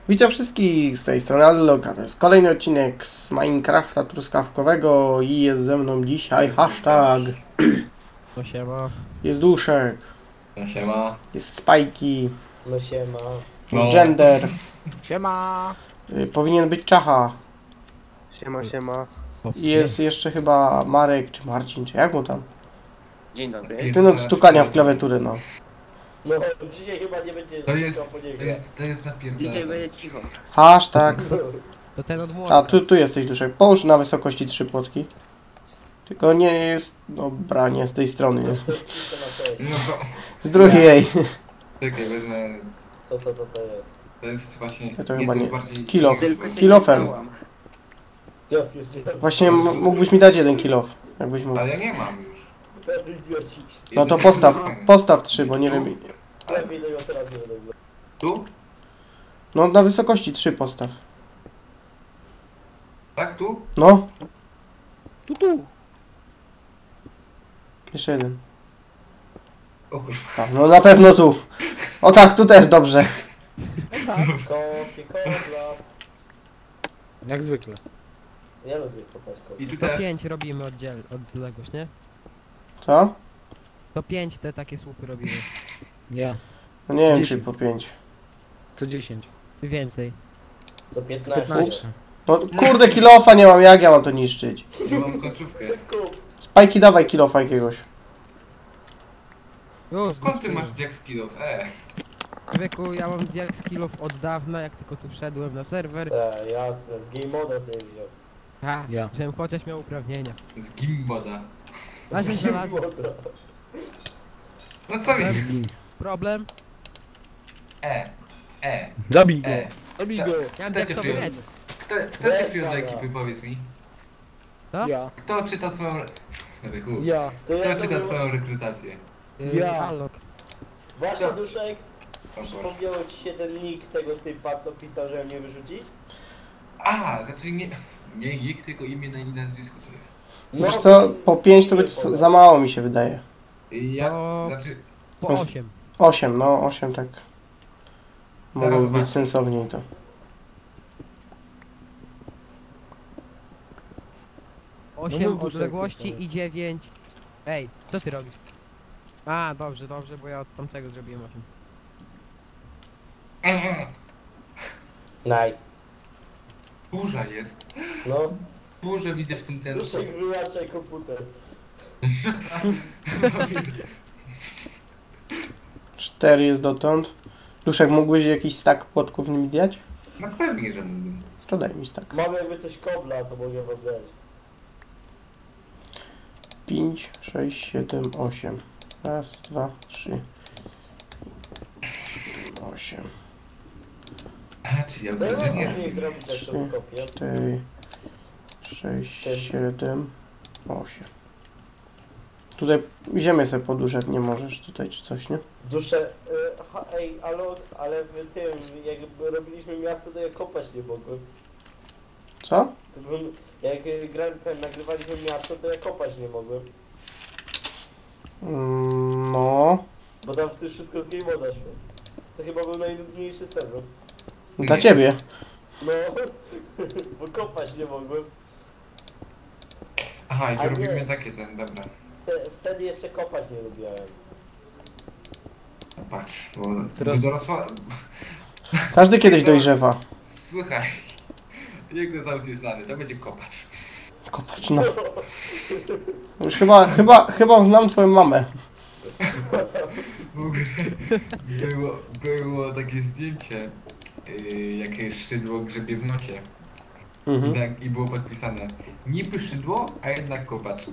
Witam wszystkich z tej strony Alloka. To jest kolejny odcinek z Minecrafta truskawkowego i jest ze mną dzisiaj hashtag. No siema. Jest Duszek. No siema. Jest Spajki. No siema. Jest Gender. Siema. Powinien być Czacha. Siema. I jest jeszcze chyba Marek czy Marcin, czy jak mu tam? Dzień dobry. Ten od stukania w klawiaturę, no. No, dzisiaj chyba nie będzie To jest, stukał po niego. to jest napierdolone. Dzisiaj będzie cicho. Hashtag. To ten od młota. A tu jesteś Duszek. Połóż na wysokości 3 płotki. Tylko nie jest. Dobra, nie z tej strony. Nie. No to, Z drugiej. czekaj, wezmę, Co to jest? to jest właśnie, Ja to nie, chyba to nie. jest bardziej... Kilof. Tylko się Kilofem. Ja już Właśnie mógłbyś mi dać jeden kilof. Jakbyś mógł. Ale ja nie mam już. Tacy idioci. No to postaw 3, bo nie wiem. Lepiej tego teraz nie będę. Tu? No na wysokości 3 postaw. Tak, tu? No, Tu. jeszcze jeden. O kurwa. A, no na pewno tu. O tak, tu też dobrze. Kopie, kobla. Jak zwykle. Ja lubię kopać kopie. I tu To też. 5 robimy odległość, nie? Co? To 5 te takie słupy robimy. Ja, No nie wiem 10. czy po 5. to 10. Ty więcej. Co 15? 15. No kurde, kilofa nie mam, jak ja mam to niszczyć? Ja mam końcówkę. Kup. Spajki, dawaj kilofa jakiegoś. Już, Skąd ty masz jack skillów? Człowieku, ja mam jak skillów od dawna, jak tylko tu wszedłem na serwer. Tak, jasne. Z game moda sobie wziął. A, Ja. żebym chociaż miał uprawnienia. Z gimboda. Razem Z game znalazłem. moda. No co mi? Problem? Zabij go! Zabij go! Ja mam Kto cię diaksowy przyjął? miecz. Kto cię przyjął do ekipy, powiedz mi? Co? Ja. Kto czyta twoją... Rychu. Ja. To ja Kto to czyta był... twoją rekrutację? Ja. Allok. Właśnie To- Duszek, O Boże. przypomniało ci się ten nick tego typa, co pisał, że mnie wyrzucić? Znaczy nie nick, tylko imię na nazwisko to jest. No, Wiesz co, po 5 to być za mało mi się wydaje. Ja, No. znaczy... Po To jest- 8. 8, no 8 tak. Mogłoby zobaczę. być sensowniej to. No 8 mów, Duszek, odległości tylko. i 9. Ej, co ty robisz? A, dobrze, bo ja od tamtego zrobiłem 8. Nice. Burza jest. No, Burzę widzę w tym ten. Duszek wyłączaj komputer. 4 jest dotąd. Duszek, mógłbyś jakiś stack płotków mi dać? No pewnie, że mógłbym. To daj mi stack. Mamy jakby coś kobla, to mogę wam dać. 5, 6, 7, 8. Raz, 2, 3, 8, Czy ja Co ja będę mam nie później robił. zrobić, jak to wykopię? 4, 6, 7, 8. Tutaj ziemię sobie poduszek nie możesz tutaj czy coś, nie? Dusze, ej, ale w tym, jak robiliśmy miasto, to ja kopać nie mogłem. Co? To bym, jak nagrywaliśmy miasto, to ja kopać nie mogłem. No. Bo tam w tym wszystko z game moda szło. To chyba był najnudniejszy sezon. Dla ciebie. No, bo kopać nie mogłem. Aha, i A to nie. robimy takie ten, dobra. Wtedy jeszcze kopać nie lubiłem. No patrz, bo Teraz- dorosła... Każdy kiedyś dojrzewa. Słuchaj, jego zawód jest znany, to będzie kopacz. Kopać, no. Już chyba znam twoją mamę. W ogóle było takie zdjęcie, jakie szydło grzebie w nocie. Mhm. I było podpisane, niby szydło, a jednak kopacz.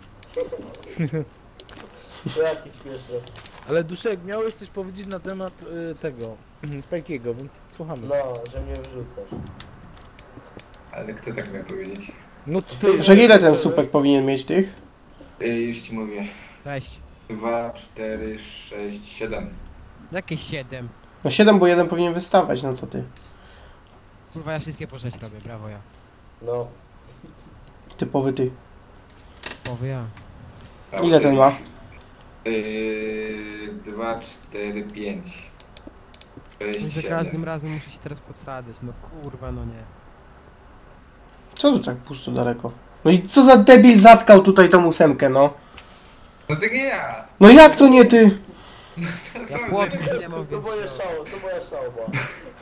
To jakieś śmieszne. Ale Duszek, miałeś coś powiedzieć na temat tego, Spajkiego, więc słuchamy. No, że mnie wrzucasz. Ale kto tak miał powiedzieć? No ty, Że ile ten supek powinien mieć tych? Już ci mówię. 6. 2, 4, 6, 7. Jakieś 7. No 7, bo jeden powinien wystawać, no co ty? Kurwa, ja wszystkie po 6 robię, brawo ja. No. Typowy ty. Powy ja. Ile ten ma? 2, 4, 5. I za każdym razem muszę się teraz podsadzać, no kurwa, no nie. Co tu tak pusto daleko? No i co za debil zatkał tutaj tą ósemkę, no? No to nie ja! No jak to nie ty? Ja płotki nie mam, To więc... moje szał, to moja szałba.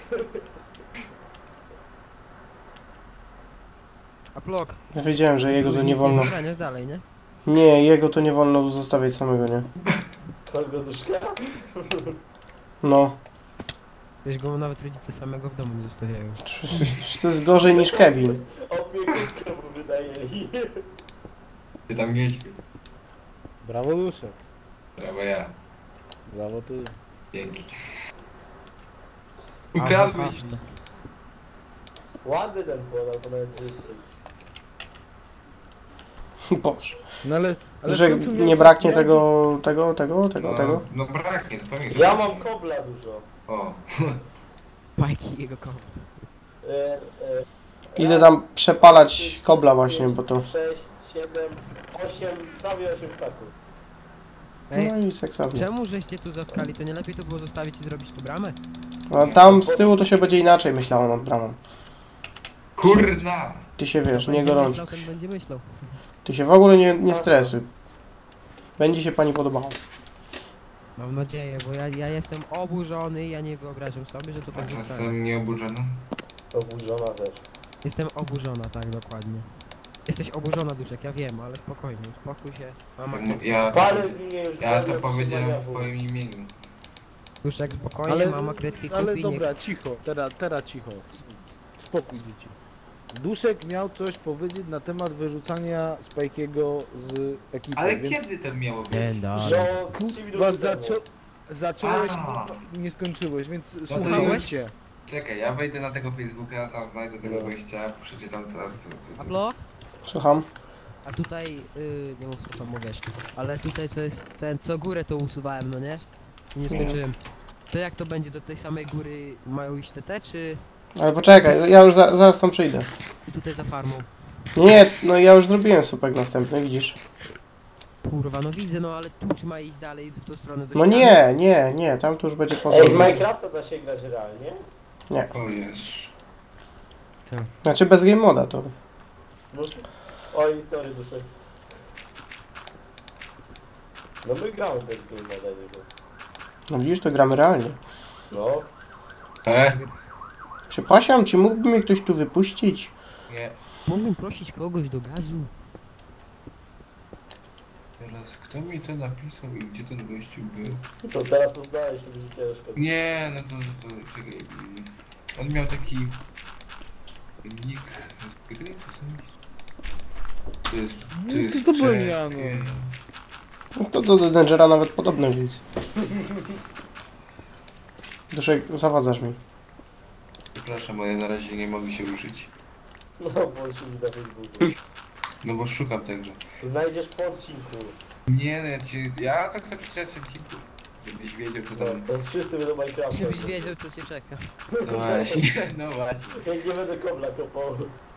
A blok. Ja wiedziałem, że jego to nie wolno. Zabraniasz dalej, nie? Nie, jego to nie wolno zostawiać samego, nie? Kogo duszka? No. Wiesz, go nawet rodzice samego w domu nie zostawiają. To jest gorzej niż Kevin. Opiekunkę mu wynajęli. Ty tam mieć. Brawo Duszek. Brawo ja. Brawo ty. Dzięki. A, Ukradłeś patrz mi. to. Ładny ten płot, to nawet brzydki. Boże. No ale Że w końcu nie miał- braknie miał- tego. No braknie, to pamiętam. Ja mam kobla dużo. O. Bajki jego koło. Idę tam przepalać kobla właśnie, bo to... 6, 7, 8, prawie 8 staków. Ej, No i seksownie. czemu żeście tu zatkali? To nie lepiej to było zostawić i zrobić tu bramę? A tam z tyłu to się będzie inaczej myślało nad bramą. Kurna! Ty się wiesz, Kto nie będzie gorącz. myślał, ten będzie myślał. Ty się w ogóle nie stresuj. Będzie się pani podobało. Mam nadzieję, bo ja jestem oburzony i ja nie wyobrażam sobie, że to A tak zostanie. czasem nie oburzona? Oburzona też. Jestem oburzona, tak, dokładnie. Jesteś oburzona, Duszek, ja wiem, ale spokojnie, uspokój się. Mama, Palec mnie już Ja to wolno powiedziałem w trzyma twoim imieniu. Duszek, spokojnie, mama kredki kupi, Ale nie... dobra, cicho. Teraz cicho. Spokój dzieci. Duszek miał coś powiedzieć na temat wyrzucania Spajkiego z ekipy. Ale więc... kiedy to miało być? Nie, da. Że 3 Kurwa, minuty temu. zacząłeś A. i nie skończyłeś, więc to słuchajcie. Czekaj, ja wejdę na tego Facebooka, tam znajdę tego gościa, przeczytam to. A blok? Słucham? A tutaj, nie mów co tam mówisz, ale tutaj co jest ten, co górę to usuwałem, no nie? I nie skończyłem. To jak to będzie, do tej samej góry mają iść TT, czy Ale poczekaj, ja już zaraz tam przyjdę. tutaj za farmą? Nie, no ja już zrobiłem słupek następny, widzisz? Kurwa, no widzę, no ale tu czy ma iść dalej w tą stronę do No ściany? nie, tam to już będzie poza. Ej, w Minecrafta da się grać realnie? O Jezu. Znaczy bez game moda to. No. Oj, sorry duszek. No my gramy bez game moda niego. No widzisz, to gramy realnie. No. Przepraszam, czy mógłby mnie ktoś tu wypuścić? Nie. Mógłbym prosić kogoś do gazu? Teraz kto mi to napisał i gdzie ten gościu był? To teraz to znaleźć, to będzie ciężko. Nie, no to czekaj. On miał taki nick z gry czasami. To byłem ja, no. No to do Dangera nawet podobne, więc... Duszek, zawadzasz mi. Przepraszam, ale na razie nie mogę się ruszyć. No, bo on siedzi na Facebooku. No bo szukam tego. Znajdziesz po odcinku. Nie, no ja tak chcę przeczytać odcinku. Żebyś wiedział co No, tam. to wszyscy będą Minecrafta. Żebyś wiedział co cię czeka. No właśnie, no właśnie. Jak nie będę kobla kopał.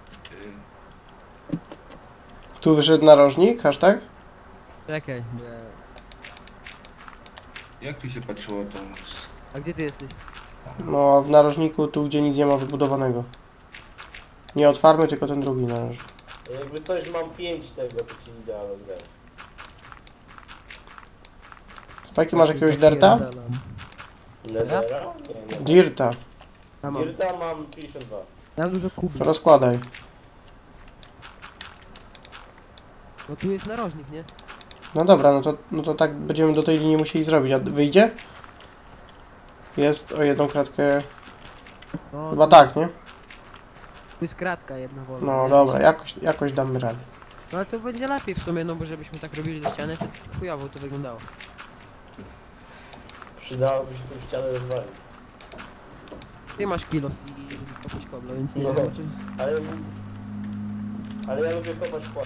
Tu wyszedł narożnik, hashtag? Czekaj, Jak tu się patrzyło to? a gdzie ty jesteś? No, a w narożniku tu, gdzie nic nie ma wybudowanego. Nie od farmy, tylko ten drugi narożnik. Jakby coś mam 5 tego, to ci idealnie grać. Spajki, masz jakiegoś derta? Netera? Nie, nie. Dirta. Ja mam. Dirta mam 52. Ja mam dużo kubli. To rozkładaj. No tu jest narożnik, nie? No dobra, no to tak będziemy do tej linii musieli zrobić. A wyjdzie? Jest o jedną kratkę... No, Chyba tu tak, jest, nie? Tu jest kratka jedna wolna. No nie? dobra, jakoś damy radę. No ale to będzie lepiej w sumie, no bo żebyśmy tak robili do ściany, to chujowo to wyglądało. Przydałoby się tą ścianę rozwalić. Ty masz kilof i lubisz kopać kobla, więc nie No. wiem o czym... Ale... Ale ja lubię kopać płat.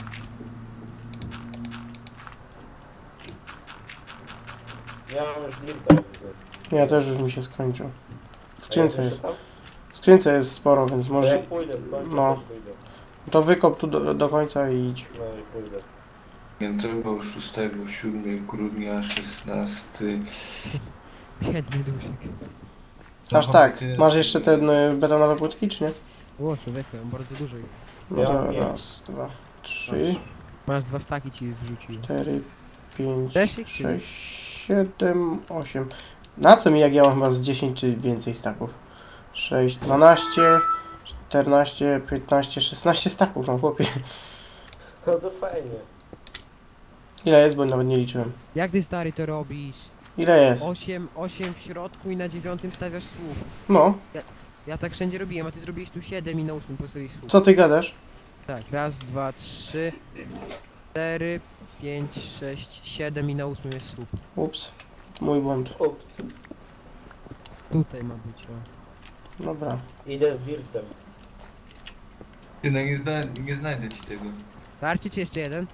Ja mam już dirta. Nie, też już mi się skończył. W skrzynce A ja jest. też W skrzynce jest sporo, więc tam? To może... ja pójdę, skończę, No. to pójdę. To wykop tu do końca i idź. No i pójdę. Więc to było 6, 7 grudnia, 16. Biedny duszek. Aż tak. Masz jeszcze te betonowe płytki, czy nie? O, człowieku, ja mam bardzo dużo. No to Ja nie. raz, dwa, trzy, Masz 2 staki ci wrzuciłem. 4, 5, Też ich, czy 6, 7, 8. Na co mi, jak ja mam chyba z 10 czy więcej staków? 6, 12, 14, 15, 16 staków, no chłopie. No to fajnie. Ile jest, bo nawet nie liczyłem. Jak ty stary to robisz? Ile jest? 8 w środku i na 9 stawiasz słup. No, Ja tak wszędzie robiłem, a ty zrobiłeś tu 7 i na 8 postawiłeś słup. co ty gadasz? Tak, raz, 2, 3, 4, 5, 6, 7 i na 8 jest słup. Ups, mój błąd. Ups. Tutaj ma być, o. Dobra. Idę z dirtem. Ty, no nie znajdę ci tego. Starczy ci jeszcze jeden?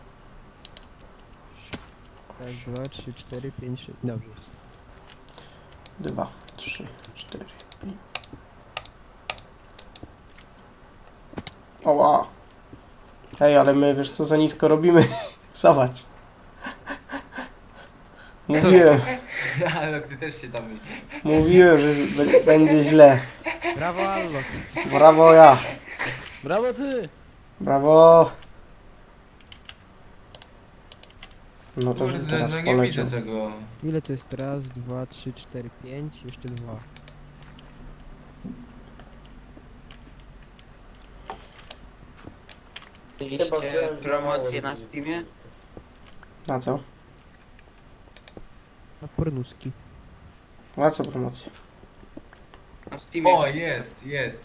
Raz, 2, 3, 4, 5, 6. Dobrze. 2, 3, 4, 5. Oła. Ej, ale my, wiesz co, za nisko robimy. Zobacz. Mówiłem, Ale ty też się tam... mówiłem, że będzie źle. Brawo, Allo. Brawo ja. Brawo ty! Brawo. No to, że Kurde, teraz no nie widzę poleciał. tego. Ile to jest? Raz, 2, 3, 4, 5, jeszcze 2. Chyba Mieliście wziąłem promocję za mało na Steamie? Na co? Na pornuski. Na co promocję? Na Steamie. O, jest.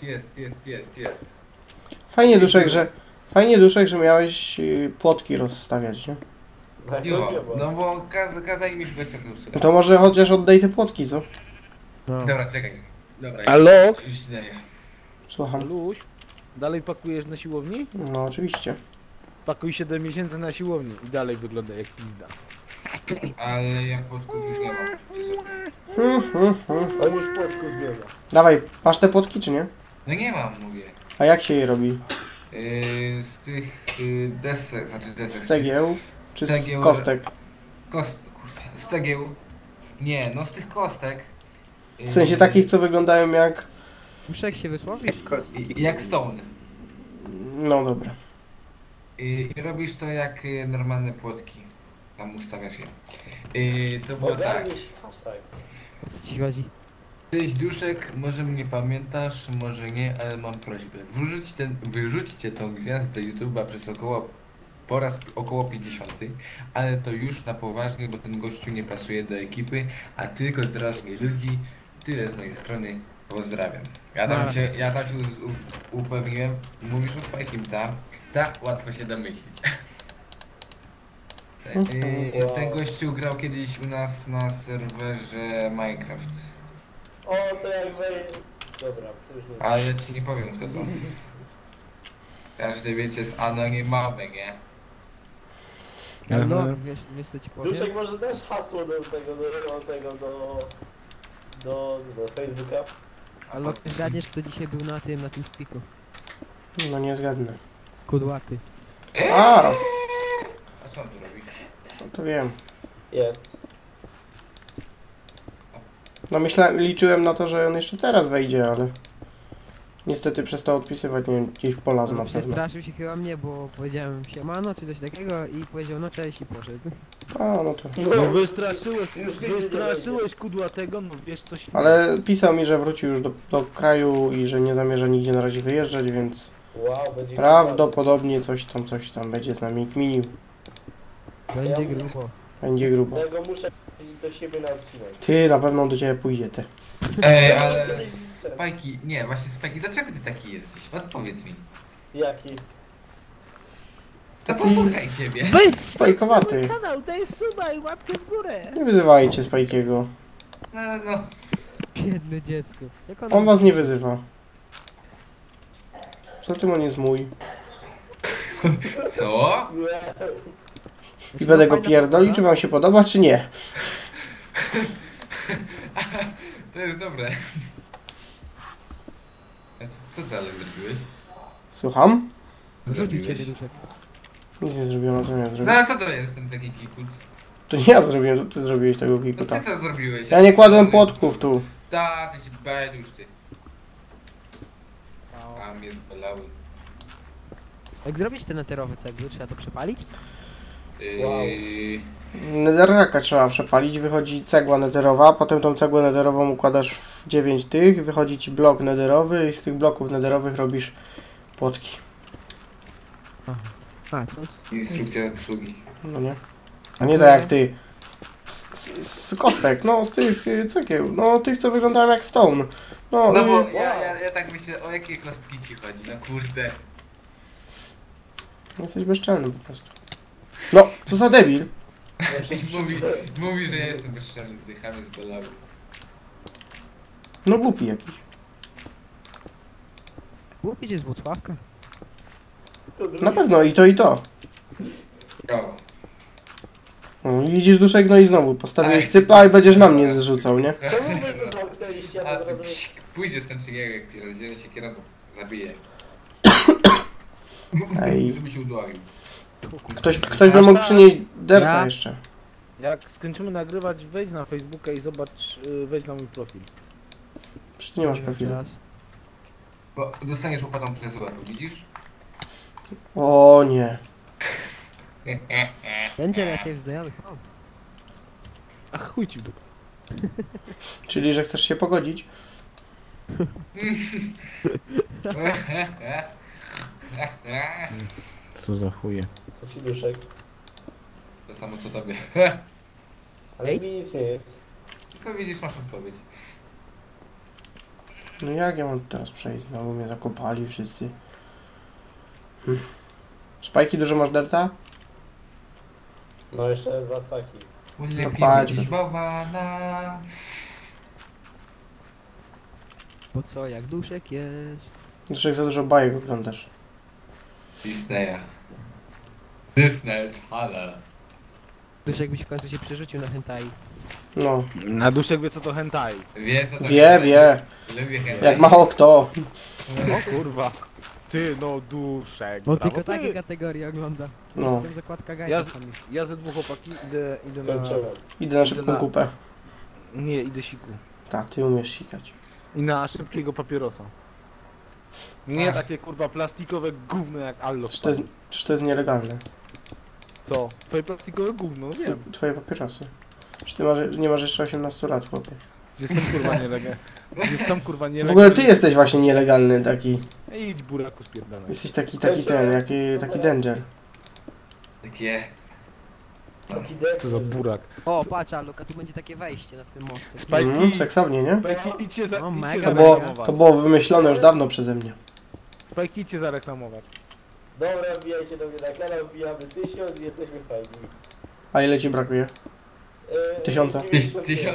Fajnie duszek, że miałeś płotki rozstawiać, nie? Jo, no bo kazali mi szukać tego No to może chociaż oddaj te płotki, co? No. Dobra, czekaj. Dobra, Alok? już ci daję. Słucham. Luś? Dalej pakujesz na siłowni? No oczywiście. Pakuj 7 miesięcy na siłowni i dalej wygląda jak pizda. Ale ja płotków już nie mam. Czy sobie? On już płotku zmienia. Dawaj, masz te płotki czy nie? No nie mam, mówię. A jak się je robi? Z tych desek, znaczy desek. Z cegieł czy z Cegieł. kostek? Kurwa, z cegieł. Nie, no z tych kostek. W sensie takich, co wyglądają jak... Muszę jak się wysłowisz? Jak stone. No dobra. I robisz to jak normalne płotki. Tam ustawiasz je. To było tak. Ogarnij się, hashtag. O co ci chodzi? Cześć Duszek, może mnie pamiętasz, może nie, ale mam prośbę. Wyrzućcie tą gwiazdę YouTube'a po raz około 50, ale to już na poważnie, bo ten gościu nie pasuje do ekipy, a tylko drażni ludzi. Tyle z mojej strony. Pozdrawiam. Ja tam się upewniłem. Mówisz o Spike'im, tak? Łatwo się domyślić. Ten gościu grał kiedyś u nas na serwerze Minecraft. O, to jak wejdzie. Dobra, to już nie. Ale ja ci nie powiem kto to. Każdy wiecie jest anonimowy, nie? No, wiesz co ci powiem? Duszek, może dasz hasło do Facebooka? Allo, ty zgadniesz kto dzisiaj był na tym spiku? No nie zgadnę. Kudłaty. A, A co on tu robi? no to wiem. Jest. No liczyłem na to, że on jeszcze teraz wejdzie, ale... Niestety przestał odpisywać, nie wiem, gdzieś polazł na pewno. Przestraszył się chyba mnie, bo powiedziałem siemano czy coś takiego i powiedział no cześć i poszedł. A, no to... No wystraszyłeś Już nigdy nie kudłatego, no wiesz coś. Ale pisał mi, że wrócił już do kraju i że nie zamierza nigdzie na razie wyjeżdżać, więc... Wow, będzie Prawdopodobnie coś tam będzie z nami kminił. Będzie grubo. Będzie grubo. Tego muszę iść do siebie na odcinek. Ty, na pewno do ciebie pójdzie, ty. Ale Spajki, nie, właśnie Spajki, dlaczego ty taki jesteś? Odpowiedz mi. Jaki? To posłuchaj siebie. Spajkowaty. Kanał, daj suba i łapkę w górę. Nie wyzywajcie Spajkiego. No. Biedne dziecko. Jak On was nie wyzywa. Co tym on jest mój? Co? Nie. I będę go pierdolił, czy wam się podoba, czy nie? To jest dobre. A co ty ale zrobiłeś? Słucham? Rzucił ciebie duszek. Nic nie zrobiłem, a co miałem No zrobić? a co to jest ten taki kikut? To nie ja zrobiłem, to ty zrobiłeś tego No kikuta. ty co zrobiłeś? Ja nie kładłem płotków tu. Tak, się bałem już ty. A mnie zbolały. Jak zrobić te neterowe cegły, trzeba to przepalić? Netherracka trzeba przepalić, wychodzi cegła netherowa, potem tą cegłę netherową układasz w 9 tych, wychodzi ci blok netherowy i z tych bloków netherowych robisz płotki. A, co? Instrukcja obsługi. No nie? A nie tak jak ty. Z kostek, no z tych cegieł, no tych co wyglądają jak stone. No, No bo ja tak myślę, o jakie kostki ci chodzi, no kurde. Jesteś bezczelny po prostu. No, to za debil. Mówi, że ja jestem bezczelny, dychamy zbolały. No głupi jakiś. Głupić jest Włocławka. Na pewno i to i to. O. No, i widzisz Duszek, no i znowu postawiłeś cypla i będziesz na mnie zrzucał, nie? Czemu wy to zamknęliście? Ja A to ty rozumiem. pójdziesz z tym cygierek, rozdzielę się kierowcą, zabiję. Ej. Żeby się udławił. Ktoś by mógł przynieść derta Ja? jeszcze. Jak skończymy nagrywać, wejdź na Facebooka i zobacz, wejdź na mój profil. Przecież nie masz profilu. Bo dostaniesz łopatą przez łeb, widzisz? O nie. Będzie raczej w znajomych. O, Ach, chuj ci w dupę. Czyli, że chcesz się pogodzić? Co za chuje. Co ci duszek? To samo co tobie. Ale Ej. mi nic nie jest. To widzisz, masz odpowiedź. No jak ja mam teraz przejść? Znowu mnie zakopali wszyscy. Spajki, dużo masz derta? No jeszcze dwa staki. Lepiej patrz. być bałwana. bo co, jak duszek jest. Duszek, za dużo bajek oglądasz. Disneya. Disney Channel. Duszek byś w końcu się przerzucił na hentai. No, Na duszek wie co to hentai. Wie co to wie. Lubię hentai. Jak mało kto. O kurwa. Ty no duszek. Bo brawo tylko ty. takie kategorie ogląda. No. Jestem zakładka gajka Ja, sami. ja ze dwóch chłopaki idę na... Skończyłem. Idę na szybką kupę. Nie, idę siku. Ta, ty umiesz sikać. I na szybkiego papierosa. Nie takie kurwa plastikowe gówno jak Allo. Czyż to jest nielegalne? Co? Twoje plastikowe gówno, no wiem. Twoje papierosy. Czy ty nie masz jeszcze 18 lat, chłopie? Gdzie są kurwa nielegalne. Gdzie są kurwa W nielegalne. ogóle ty jesteś właśnie nielegalny taki. Idź buraku spierdalaj. Jesteś taki taki danger. Takie... Taki dek. Co za burak. O, patrz, Luka, tu będzie takie wejście nad tym mostem. Spajki, Seksownie, nie? Spajki idźcie za, No, idźcie mega, To było, zareklamować. to było wymyślone już dawno przeze mnie. Spajki idźcie zareklamować. Dobra, wbijajcie do mnie na kanał, wbijamy 1000 i jesteśmy fajni. A ile ci brakuje? 1000. 1000.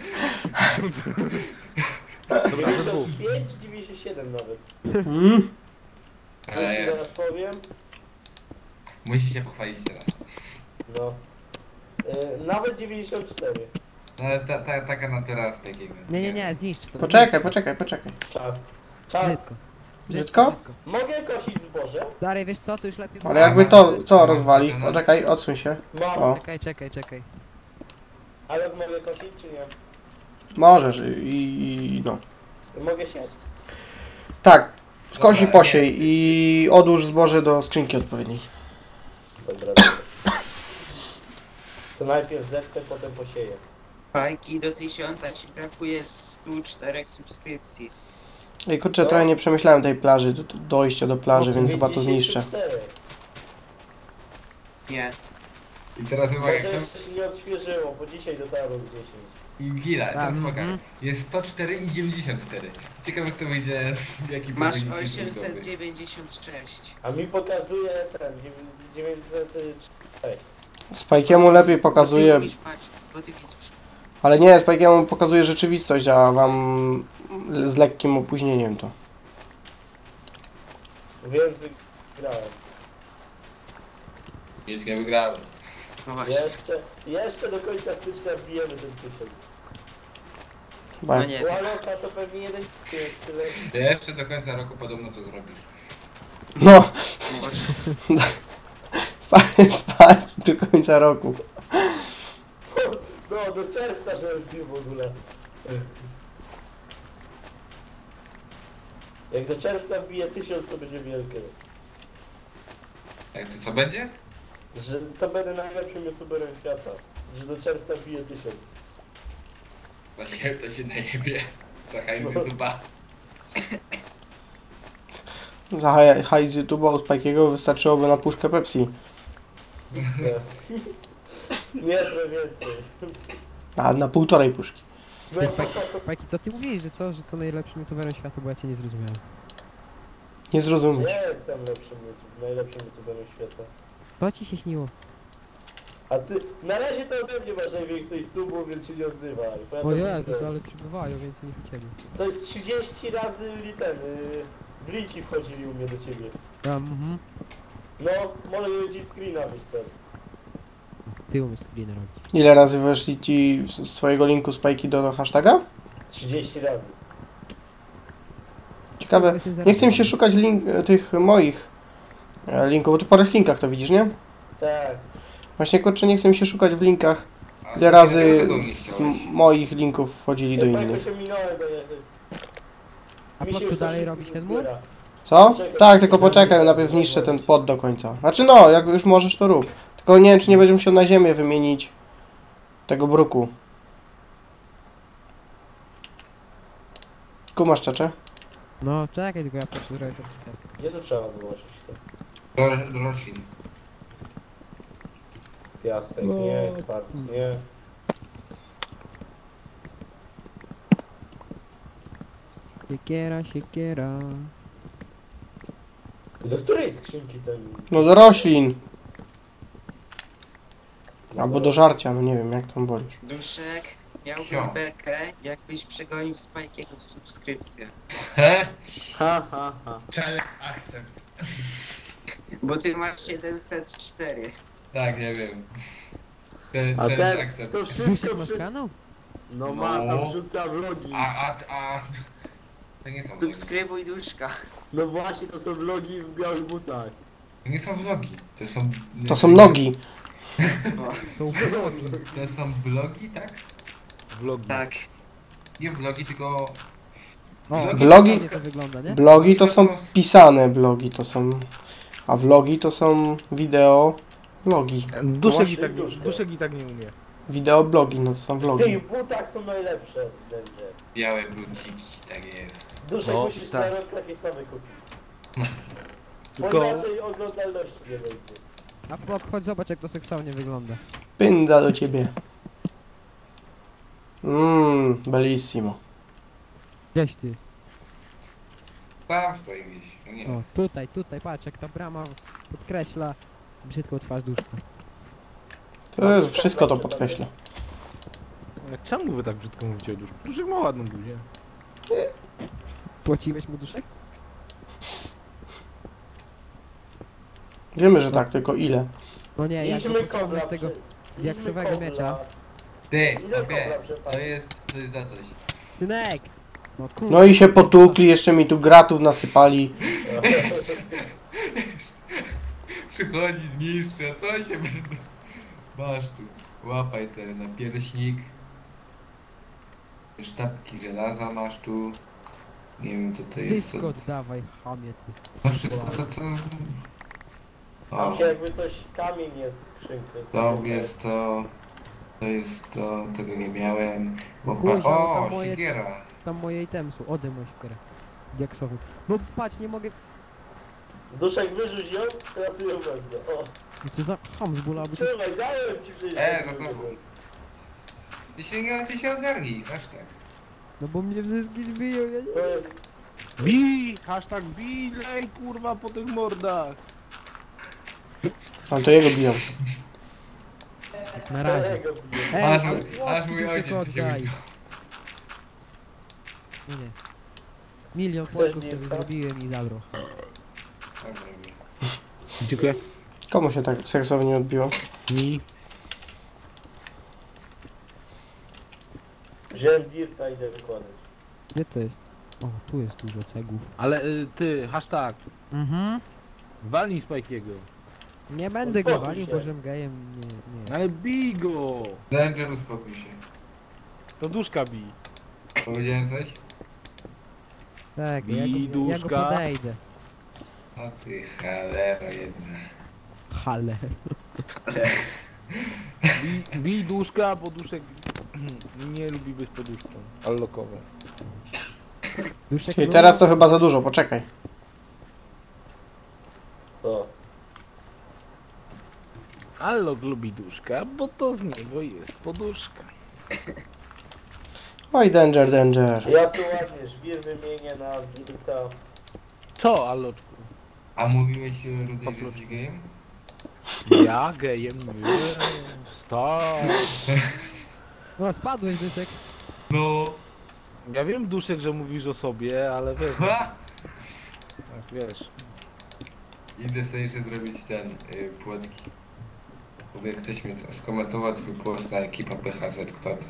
Dobra, we dwóch. 95, 97 nawet. Mm? Już Ale ci zaraz powiem. musi się pochwalić teraz. No. Nawet 94. No ale taka natura z Pekiego. Nie, zniszcz to. Poczekaj. Czas. Czas. Brzydko. Brzydko? Mogę kosić zboże? Dalej, wiesz co, to już lepiej... Ale jakby to, co rozwali? Poczekaj, odsuń się. Mam. O. Czekaj. Ale mogę kosić czy nie? Możesz i no. Mogę siać. Tak, skosi Dobra, posiej i odłóż zboże do skrzynki odpowiedniej. Dobra. To najpierw zepnę, potem posieję. Fajki do 1000 ci brakuje 104 subskrypcji. Ej kurczę, trochę nie przemyślałem tej plaży, dojścia do plaży, więc chyba to zniszczę. 94. Nie. I teraz uwaga, Może jak to... jeszcze się nie odświeżyło, bo dzisiaj dotarło z 10. I chwila, teraz Mhm. uwaga. Jest 104 i 94. Ciekawe kto wyjdzie, jaki Masz wynik jest liczbowy. 896. A mi pokazuje ten 906. Spajkiemu lepiej pokazuje, Bo ty widzisz, patrz, bo ty widzisz. ale nie, Spajkiemu pokazuje rzeczywistość, a wam z lekkim opóźnieniem to. Więc wygrałem. Nic nie wygrałem. No właśnie. Jeszcze do końca stycznia wbijemy ten 1000. Chyba No nie wiem. Łaloka to pewnie jeden jest tyle. Jeszcze do końca roku podobno to zrobisz. No, Może. spać do końca roku. No, do czerwca, żeby wbił w ogóle. Jak do czerwca wbije 1000, to będzie wielkie. Jak to co będzie? Że to będę najlepszym youtuberem świata. Że do czerwca wbije 1000. Właśnie to się najebie. Czekaj z YouTube'a. Za hajs z YouTube'a u Spike'ego wystarczyłoby na puszkę Pepsi. Nie, trochę więcej. A na półtorej puszki. No, Ty, Spajki, co ty mówisz, że co najlepszym youtuberem świata, bo ja cię nie zrozumiałem. Nie zrozumiesz. ja jestem najlepszym youtuberem świata. To ci się śniło. A ty, na razie to ode mnie masz najwięcej subów, więc się nie odzywaj. Bo ja O to Jezus, widzę. ale przybywają więcej niż u ciebie. Coś 30 razy blinki wchodzili u mnie do ciebie. No, może ci screena być cel. Ty umiesz screen robić. Ile razy weszli ci z twojego linku Spike'i do hashtaga? 30 razy. Ciekawe. Nie chcę mi się szukać tych moich linków, bo ty po linkach to widzisz, nie? Tak. Właśnie kurczę, nie chcę mi się szukać w linkach. A Ile dlaczego razy tego nie z chciałeś? moich linków wchodzili do Ja innych. się minąłem do jednych. A Mi się po już tu to dalej wszystko robić nie ten mur? zbiera. Co? Tak, tylko poczekaj, najpierw zniszczę ten pod do końca. Znaczy no, jak już możesz to rób. Tylko nie wiem, czy nie będziesz musiał na ziemię wymienić tego bruku. Kumasz czecze? No czekaj, tylko ja patrzę, że to Gdzie to trzeba wyłożyć? Do roślin. Piasek, No. nie, kwarc, nie. Siekiera. Do której skrzynki ten... No do roślin. Albo do żarcia, no nie wiem, jak tam wolisz. Duszek, miałbym Sio. bekę, jakbyś przegonił Spike'ego w subskrypcję. He? Ha, ha, ha. Challenge accept. Bo ty masz 704. Tak, nie wiem. A Challenge ten, accept. to Duszek wszystko masz przez... kanał? No ma, No. tam wrzuca vlogi. A... To nie są vlogi. Subskrybuj Duszka. No właśnie, to są vlogi w białych butach. To nie są vlogi. To są... To są nogi. Są vlogi. To są blogi, tak? Vlogi. Tak. Nie vlogi, tylko... O, Vlogi? fajnie to wygląda, nie? Blogi to są pisane blogi, to są... A vlogi to są wideo... Vlogi. Duszek i tak nie umie. Wideo blogi, no to są W vlogi. tych butach są najlepsze będzie. Białe bluciki, tak jest. Duszek No, musisz tak. na rok takie same kupić. Bo Tylko- inaczej oglądalności nie będzie. A Pok, chodź zobacz jak to seksownie wygląda. Pędza do ciebie. Bellissimo. Gdzieś ty. Tam stoi gdzieś. No nie. O, tutaj, patrz jak ta brama podkreśla brzydką twarz Duszka. To jest, wszystko to podkreśla. Czemu wy tak brzydko mówicie o Duszku? Duszek ma ładną buzię. Płaciłeś mu Duszek? Wiemy, że tak, tylko ile? No nie, jak go Idźmy pociągnę kobra z tego idźmy diaksowego kobra. miecza. Ty, Ile okej. kobra przepadł? To jest za coś. Tynek! No kurwa. No i się potukli, jeszcze mi tu gratów nasypali. Przychodzi, zniszcza, co się będę... Masz tu, łapaj ten napierśnik. Sztabki żelaza masz tu. Nie wiem co to jest. Dyskot dawaj, chamie ty. No wszystko to co... Tam O, się jakby coś, kamień jest w skrzynce. to jest to... To jest to, tego nie miałem. Bo Kuźwa, no o, tam moje- siekiera. Tam moje itemy są, ode mój szpierę. Diaksowy. No patrz, nie mogę... Duszek wyrzuć ją, teraz ją wezmę. O, No co za ham z bóla, bo ty... trzymaj, dałem ci przecież. Za to... Ty się ogarnij, aż tak. No bo mnie wszystkich biją, ja nie... To jest... Bij! Hashtag bij! Lej kurwa po tych mordach! A to jego biją. Na razie. Tego bije. Ej, Aż ale mój- aż mój Duszek ojciec się oddaj. uśmiał. Nie, nie. Milion Chcesz płatków sobie wilka? zrobiłem i zabrał. Tak zrobię. Dziękuję. Komu się tak seksownie odbiło? Mi. Wziąłem dirta i idę wykładać. Gdzie to jest? O, tu jest dużo cegłów. Ale ty, hashtag, Mhm. walnij Spike'ego. Nie będę go Uspokój walił, się. bo żem gejem nie. Ale bij go! Danger, uspokój się. To Duszka bij. Powiedziałem coś? Tak, ja go Widuszka. podejdę. O ty cholero jedna. Hale. Widuszka, bo duszek nie lubi być poduszką. Allokowe. Duszek Czyli teraz to chyba za dużo, poczekaj. Co? Allok lubi duszka, bo to z niego jest poduszka. Oj, danger, danger. Ja tu ładnie żwir wymienię na Wilta. Co, Alloczku? A mówiłeś Rudy, że jesteś gejem? Ja gejem nie. Stop. O, spadłeś, Duszek. No. Ja wiem, Duszek, że mówisz o sobie, ale wiesz, Ha! tak, wiesz. Idę sobie jeszcze zrobić ten, płotki. Mówię, jak ktoś mi to skomentował, twój post na ekipa PHZ, kto to?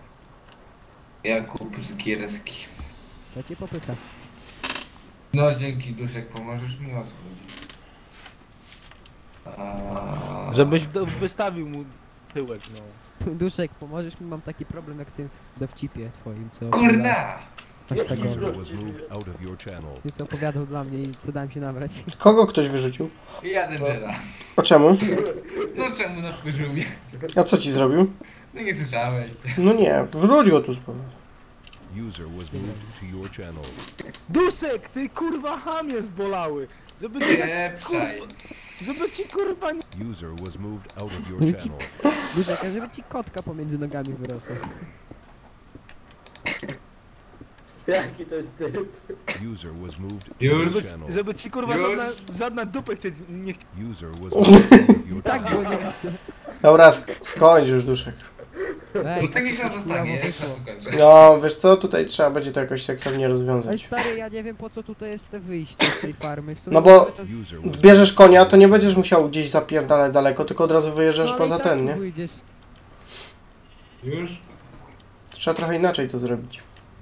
Jakub z Gierski. To cię popyta. No dzięki Duszek, pomożesz mi o co chodzi. Żebyś wystawił mu tyłek, no. Duszek, pomożesz mi? Mam taki problem jak w tym dowcipie twoim, co... Kurna! Aż tak Jaki go. dowcip? was moved out of your channel. Ty co opowiadał dla mnie i co dałem się nabrać. Kogo ktoś wyrzucił? Ja Dangera. O czemu? No czemu napłyżył mnie? A co ci zrobił? No nie słyszałeś. No nie, wróć go tu z powrotem. User was moved to your channel. Duszek, ty kurwa hamie zbolały! Żeby ci, Pieprzaj. żeby ci kurwa nie... User was moved out of your Żeby ci- channel. Duszek, a żeby ci kotka pomiędzy nogami wyrosła. Jaki to jest typ? User was moved to Już? your channel. Żeby ci kurwa Już? żadna dupę chcieć, nie chcieć. User was moved out of your Tak było channel. nie chcę. Dobra, skończ już, Duszek. Ej, No tak niech to nam coś zostanie, chujowo jak wyszło. to kończę. No, wiesz co, tutaj trzeba będzie to jakoś seksownie Ej rozwiązać. stary, ja nie wiem po co tutaj jest te wyjście z tej farmy. W sumie No bo- to- User was Bierzesz moved konia, to to your nie channel. będziesz musiał gdzieś zapierdalać daleko, tylko od razu wyjeżdżasz ale poza i tak ten, tu nie? wyjdziesz. Już? Trzeba trochę inaczej to zrobić.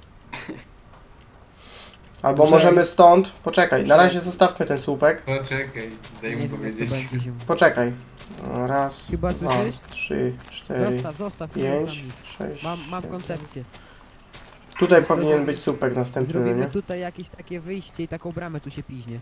Albo Poczekaj. możemy stąd... Poczekaj, na razie zostawmy ten słupek. Poczekaj, daj Nie mu wiem jak to powiedzieć. będzie zimno. Poczekaj. Raz, Chyba dwa, słyszysz? 3, 4, Zostaw, nie mam 5, nic. 6, Mam 7. koncepcję. Tutaj Wiesz co, powinien zrobi- być słupek następny, no Zrobimy nie? tutaj jakieś takie wyjście i taką bramę tu się piźnie.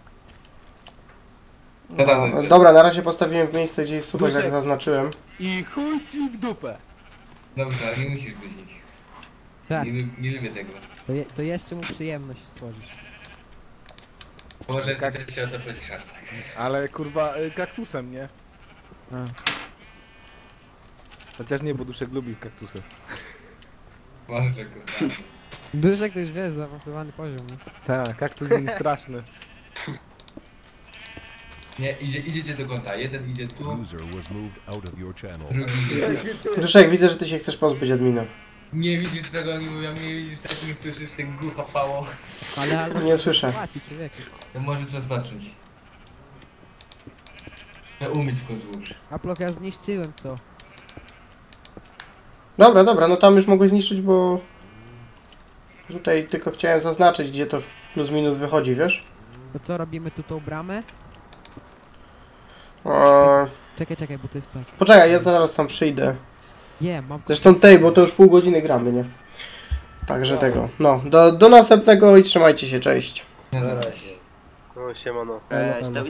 No dawaj. No, dobra, na razie postawiłem w miejsce, gdzie jest słupek, jak Duszek. zaznaczyłem. I chuj ci w dupę. Dobrze, ale nie musisz powiedzieć. Tak, Nie lubię tego. to jeszcze mu przyjemność stworzysz. Może ty też się o to prosisz, tak. Ale kurwa kaktusem, nie? A. Chociaż nie, bo Duszek lubi kaktusy. Może go. Duszek to już wiesz, zaawansowany poziom, nie? Tak, kaktus był straszny. Nie, idziecie do kąta. Jeden idzie tu, User was moved out of your channel. drugi idzie tu. Jaki typ? Duszek, widzę, że ty się chcesz pozbyć admina. Nie widzisz tego, oni mówią, nie widzisz, tak nie słyszysz, ten głucha pało. Ale Nie słyszę. płaci człowieku. To może czas zacząć. Trzeba umyć w końcu już. Aplok, ja zniszczyłem to. Dobra, dobra, no tam już mogłeś zniszczyć, bo... Tutaj tylko chciałem zaznaczyć, gdzie to plus minus wychodzi, wiesz? To co, robimy tu tą bramę? Eee, Czekaj, bo to jest tak. poczekaj, ja zaraz tam przyjdę. Mam... Zresztą tej, bo to już pół godziny gramy, nie? Także tego. No, do następnego i trzymajcie się, cześć. Nie, Na dobra. razie. No siemano. Elo, elo.